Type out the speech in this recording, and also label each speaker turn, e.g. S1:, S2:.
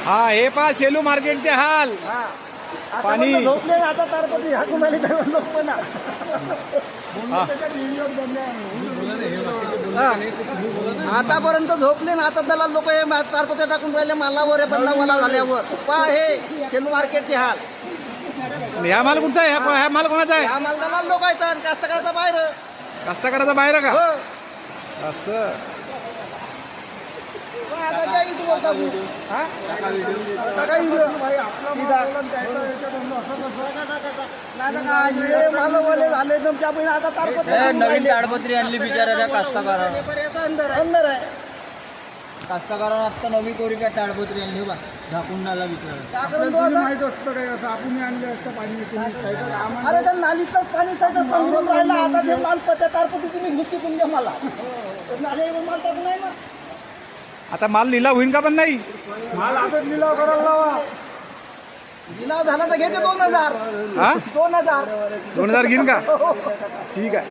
S1: हा हे पहा सेलू मार्केटचे हाल. पाणी
S2: झोपले ना आता तारपती हाकून आले तर लोक पण आतापर्यंत झोपले ना आता त्याला लोक हे तारपत्या टाकून राहिले मालावर आहे बंदा मला झाल्यावर पहा हे सेलू मार्केटचे हाल.
S1: ह्या माल कुठचा आहे? ह्या माल कोणाचा आहे?
S2: हा माल दलाल लोकांचा आणि कास्तकाराचा बाहेर.
S1: कास्तकाराचा बाहेर का?
S2: हो.
S1: असं
S2: आता काय युट्यूबवर टाकू? हा? टाका व्हिडिओ. नाही तर काय हे मालवाले झाले तुमच्या बहिणी आता तारपत्या
S3: नवीन ताडपत्री आणली बिचारा कास्तकारानं.
S2: अंदर आहे
S3: कास्तकारानं आता नवी कोरी काय ताडपत्री आणली बा झाकून नाला बिचारा.
S2: अरे त्या नालीचं पाणी सगळं समजून राहिलं आता ते माल पट्या तारपती तुम्ही घुसती तुमच्या मला नाले माल टाकून नाही ना.
S1: आता माल लिलाव होईन का? पण नाही
S2: माल आता लिलाव करायला लावा. लिलाव झाला तर घेते 2000.
S1: हा
S2: 2000
S1: 2000 घेईन का? ठीक आहे.